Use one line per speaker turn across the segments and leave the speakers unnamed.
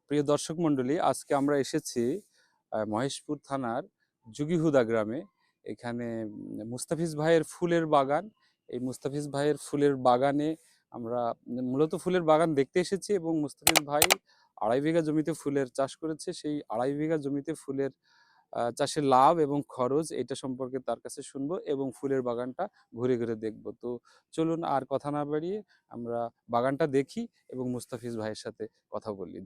প্রিয় দর্শক মণ্ডলী, আজকে আমরা এসেছি মহেশপুর থানার যুগীহুদা গ্রামে। এখানে মুস্তাফিজ ভাইয়ের ফুলের বাগান। এই মুস্তাফিজ ভাইয়ের ফুলের বাগানে আমরা মূলত ফুলের বাগান দেখতে এসেছি এবং মুস্তাফিজ ভাই 2.5 বিঘা জমিতে ফুলের চাষ করেছে। সেই 2.5 বিঘা জমিতে ফুলের চাষের লাভ এবং খরচ এটা সম্পর্কে তার কাছে শুনবো এবং ফুলের বাগানটা ঘুরে ঘুরে দেখবো। তো চলুন আর কথা না বাড়িয়ে আমরা বাগানটা দেখি এবং মুস্তাফিজ ভাইয়ের সাথে কথা বলি।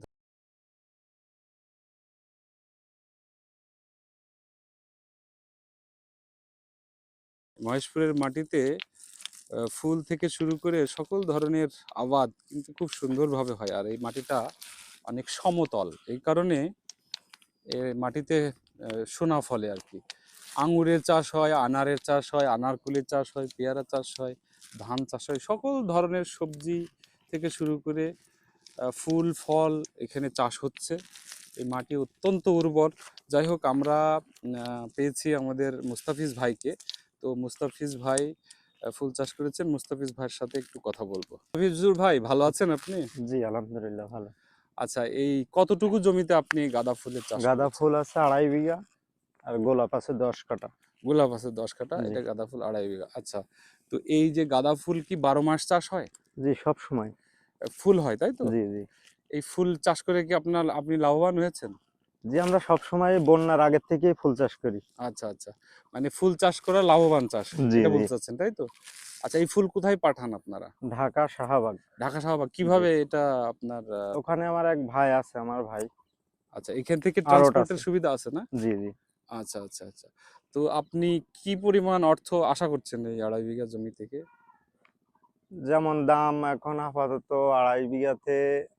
মহেশপুরের মাটিতে ফুল থেকে শুরু করে সকল ধরনের আবাদ কিন্তু খুব সুন্দরভাবে হয়, আর এই মাটিটা অনেক সমতল। এই কারণে মাটিতে সোনা ফলে আর কি। আঙুরের চাষ হয়, আনারের চাষ হয়, আনারকুলের চাষ হয়, পেয়ারা চাষ হয়, ধান চাষ হয়, সকল ধরনের সবজি থেকে শুরু করে ফুল ফল এখানে চাষ হচ্ছে। এই মাটি অত্যন্ত উর্বর। যাই হোক, আমরা পেয়েছি আমাদের মুস্তাফিজ ভাইকে। তো মুস্তাফিজ ভাই ফুল চাষ করেছেন। মুস্তাফিজ ভাইয়ের সাথে একটু কথা বলবো। মুস্তাফিজুর ভাই, ভালো আছেন আপনি?
জি আলহামদুলিল্লাহ ভালো।
আচ্ছা, এই কতটুকু জমিতে আপনি গাঁদা ফুলের চাষ
গাঁদা
করেছেন?
ফুল আছে 2.5 বিঘা আর গোলাপ আছে 10 কাঠা।
গোলাপ আছে 10 কাঠা,
জি
এটা গাঁদা ফুল 2.5 বিঘা। আচ্ছা, তো এই যে গাঁদা ফুল কি 12 মাস চাষ হয়?
জি সব সময়।
ফুল হয়, তাই তো?
জি জি
এই ফুল চাষ করে কি আপনি লাভবান হয়েছেন?
জি আমরা সব সময় বন্যার আগের থেকেই ফুল চাষ করি।
আচ্ছা আচ্ছা, মানে ফুল চাষ করা লাভবান চাষ,
জি
এটা
জি
বলতে চাচ্ছেন, তাই তো? আচ্ছা, এই ফুল কোথায় পাঠান আপনারা?
ঢাকা শাহবাগ।
ঢাকা শাহবাগ।
জি
কিভাবে এটা আপনার
ওখানে আমার এক ভাই আছে, আমার ভাই
আচ্ছা, এখান থেকে
আড়ত
ট্রান্সপোর্টের
আছে।
সুবিধা আছে না?
জি জি
আচ্ছা আচ্ছা আচ্ছা। তো আপনি কি পরিমাণ অর্থ আশা করছেন এই 2.5 বিঘা জমি থেকে?
যেমন দাম এখন আপাতত 2.5 বিঘাতে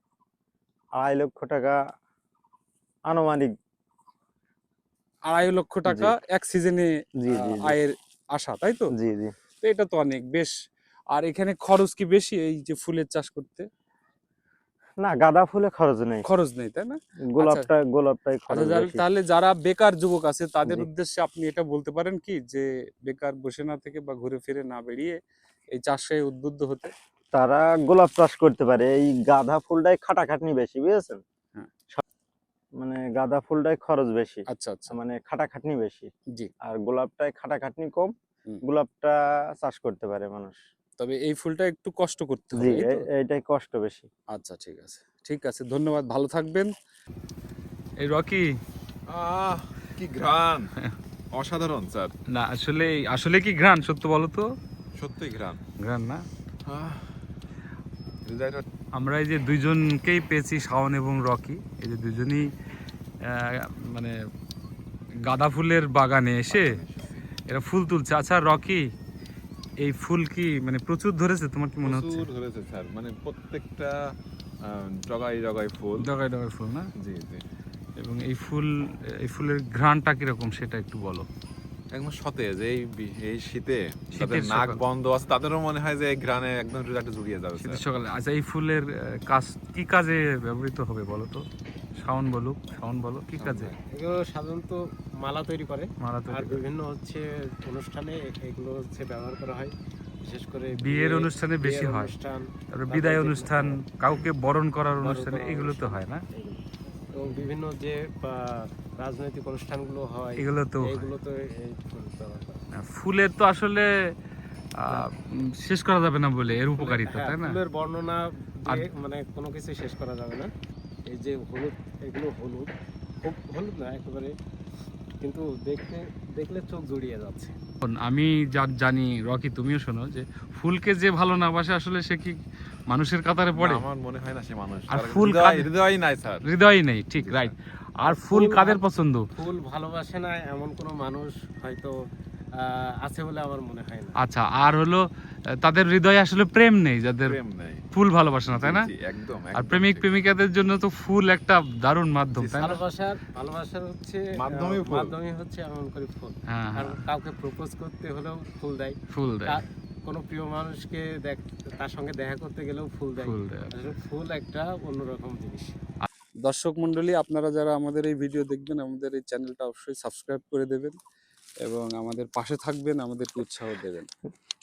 2.5 লক্ষ টাকা আনুমানিক।
2.5 লক্ষ
জি
টাকা এক সিজনে
জি জি জি
আয়ের আশা, তাই তো?
জি জি
তো এটা তো অনেক বেশ। আর এখানে খরচ কি বেশি এই যে ফুলের চাষ করতে?
না, গাঁদা ফুলে খরচ নেই।
খরচ নেই, তাই না? আচ্ছা
গোলাপটাই
আচ্ছা,
খরচ বেশি।
তাহলে যারা বেকার যুবক আছে তাদের
জি
উদ্দেশ্যে আপনি এটা বলতে পারেন কি, যে বেকার বসে না থেকে বা ঘুরে ফিরে না বেরিয়ে এই চাষে উদ্বুদ্ধ হতে?
তারা গোলাপ চাষ করতে পারে। এই গাঁদা ফুলটাই খাটাখাটনি বেশি, বুঝেছেন?
হ্যাঁ।
মানে গাঁদা ফুলটাই খরচ বেশি,
আচ্ছা আচ্ছা।
মানে খাটাখাটনি বেশি।
জি।
আর গোলাপটায় খাটাখাটনি কম।
হুম।
গোলাপটা চাষ করতে পারে মানুষ।
তবে এই ফুলটা একটু কষ্ট করতে
জি
হবে, এই তো?
এইটাই কষ্ট বেশি।
আচ্ছা, ঠিক আছে ঠিক আছে, ধন্যবাদ, ভালো থাকবেন। এই রকি,
আহ কি ঘ্রাণ! অসাধারণ স্যার,
না আসলে আসলে কি ঘ্রাণ, সত্য বলো তো?
সত্যি ঘ্রাণ।
ঘ্রাণ না?
আহ, হৃদয়টা
আমরা এই যে দুইজনকেই পেয়েছি, শাওন এবং রকি, এই যে দুজনই মানে গাঁদা ফুলের বাগানে এসে এরা ফুল তুলছে। আচ্ছা রকি, এই ফুল কি মানে প্রচুর ধরেছে, তোমার কি মনে হচ্ছে?
প্রচুর ধরেছে স্যার, মানে প্রত্যেকটা জগাই জগাই ফুল।
ডগায় ডগায় ফুল না?
জি জি,
এবং এই ফুলের ঘ্রাণটা কিরকম সেটা একটু বলো।
একদম সতেজ। এই শীতে যাদের
শীতের
নাক
সকাল।
বন্ধ আছে তাদেরও মনে হয় যে এই ঘ্রাণে একদম হৃদয়টা জুড়িয়ে যাবে
শীতের
স্যার।
সকালে। আচ্ছা, এই ফুলের কাজ কি কাজে ব্যবহৃত হবে বলো তো? শাওন বলো কি কাজে?
এগুলো সাধারণত মালা তৈরি করে,
মালা
আর
তৈরি করে।
বিভিন্ন অনুষ্ঠানে এগুলো ব্যবহার করা হয়, বিশেষ করে
বিয়ের অনুষ্ঠানে বেশি হয়,
অনুষ্ঠান,
তারপরে বিদায় অনুষ্ঠান, কাউকে বরণ করার অনুষ্ঠানে
করার
এগুলো তো
অনুষ্ঠান,
হয় না?
এগুলো। এবং বিভিন্ন যে রাজনৈতিক অনুষ্ঠানগুলো হয়,
এগুলো তো
এগুলো তো এই ফুল ব্যবহার করা হয়।
ফুলের তো আসলে শেষ করা যাবে না বলে এর উপকারিতা,
হ্যাঁ,
তাই না?
ফুলের বর্ণনা দিয়ে
আর-
মানে কোনো কিছু শেষ করা যাবে না। এই যে হলুদ, এগুলো হলুদ, খুব হলুদ না একেবারে, কিন্তু দেখলে চোখ জুড়িয়ে যাচ্ছে।
আমি যা জানি, রকি তুমিও শোনো, যে ফুলকে যে ভালো না বাসে আসলে সে কি মানুষের কাতারে পড়ে?
না, আমার মনে হয় না সে মানুষ।
আর
তার
ফুল
হৃদয় নাই স্যার।
হৃদয় নেই, ঠিক, রাইট। আর ফুল কাদের পছন্দ?
ফুল ভালোবাসে না এমন কোনো মানুষ হয়তো আছে বলে আমার মনে হয় না।
আচ্ছা, আর হলো তাদের হৃদয়ে আসলে প্রেম নেই, যাদের
প্রেম নেই।
ফুল ভালোবাসে না, তাই না?
জি, একদম
আর
একদম
প্রেমিক
ঠিক।
প্রেমিকাদের জন্য তো ফুল একটা দারুণ মাধ্যম,
জি,
তাই না?
ভালোবাসার হচ্ছে
মাধ্যমই
হচ্ছে এমন করে ফুল।
হ্যাঁ
আর
হ্যাঁ,
কাউকে প্রপোজ করতে হলেও ফুল দেয়।
ফুল দেয়।
কোনো প্রিয় মানুষকে তার সঙ্গে দেখা করতে গেলেও ফুল দেয়।
ফুল দেয়।
আসলে ফুল একটা অন্যরকম জিনিস।
দর্শক মণ্ডলী, আপনারা যারা আমাদের এই ভিডিও দেখবেন, আমাদের এই চ্যানেলটা অবশ্যই সাবস্ক্রাইব করে দেবেন এবং আমাদের পাশে থাকবেন, আমাদেরকে উৎসাহ দেবেন।